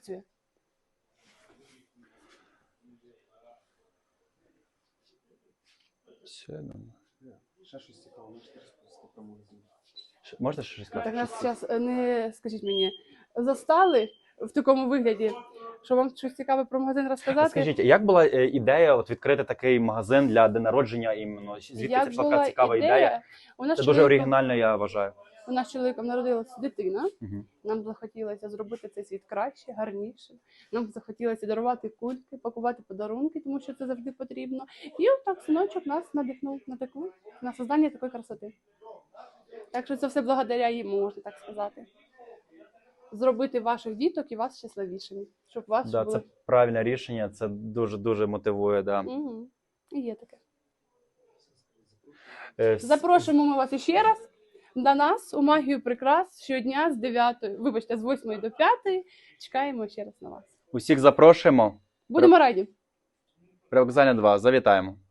працює. Все, ну. Ще щось цікаве, можете розповісти про магазин? Можна ще щось Так сказати? нас зараз не, скажіть мені, застали в такому вигляді, що вам щось цікаве про магазин розказати? Скажіть, як була ідея от відкрити такий магазин для день народження іменно? Звідки Як це пішла була така цікава ідея? У нас Це дуже оригінально, я вважаю. У нас з чоловіком народилася дитина. Угу. Нам захотілося зробити цей світ краще, гарніше. Нам захотілося дарувати кульки, пакувати подарунки, тому що це завжди потрібно. І отак синочок нас надихнув на создання такої красоти. Так що це все благодаря йому, можна так сказати. Зробити ваших діток і вас щасливішими. Щоб вас Да, були... це правильне рішення, це дуже-дуже мотивує. Да. Угу. І є таке. Е, Запрошуємо ми вас іще раз до нас у магію прикрас щодня з 8 до 5. Чекаємо ще раз на вас. Усіх запрошуємо. Будемо раді. Привокзальна 2, завітаємо.